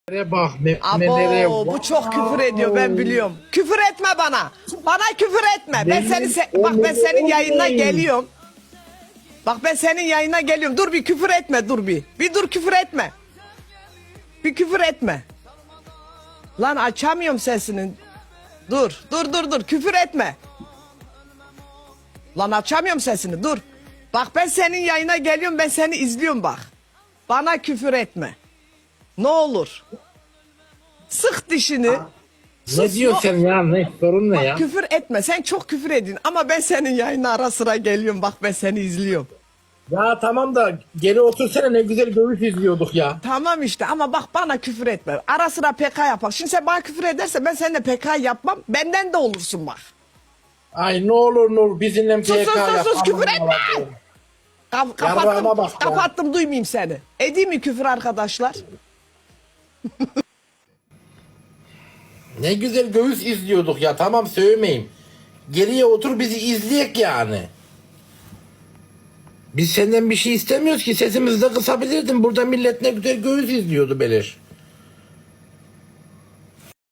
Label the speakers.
Speaker 1: Bak memelere.
Speaker 2: Abo bu çok küfür ediyor, ben biliyorum. Küfür etme bana. Bana küfür etme. Ben ben senin yayınına geliyorum. Bak ben senin yayına geliyorum. Dur bir küfür etme, dur bir. Bir dur küfür etme. Bir küfür etme. Lan açamıyorum sesini. Dur küfür etme. Lan açamıyorum sesini, dur. Bak ben senin yayına geliyorum, ben seni izliyorum bak. Bana küfür etme. Ne olur. Sık dişini.
Speaker 1: Ne diyorsun ya? Ne sorun ne ya?
Speaker 2: Küfür etme. Sen çok küfür edin. Ama ben senin yayına ara sıra geliyorum. Bak ben seni izliyorum.
Speaker 1: Ya tamam da geri otursana, ne güzel göğüs izliyorduk ya.
Speaker 2: Tamam işte ama bak bana küfür etme. Ara sıra PK yapak. Şimdi sen bana küfür edersen ben seninle PK yapmam. Benden de olursun bak.
Speaker 1: Ay ne olur Nur bizimle PK yap.
Speaker 2: Sus küfür etme.
Speaker 1: Yarrağıma bak ya.
Speaker 2: Kapattım duymayayım seni. Edeyim mi küfür arkadaşlar?
Speaker 1: Ne güzel göğüs izliyorduk ya, tamam sövmeyeyim. Geriye otur bizi izleyek yani. Biz senden bir şey istemiyoruz ki, sesimizi de kısabilirdin. Burada millet ne güzel göğüs izliyordu Beleş.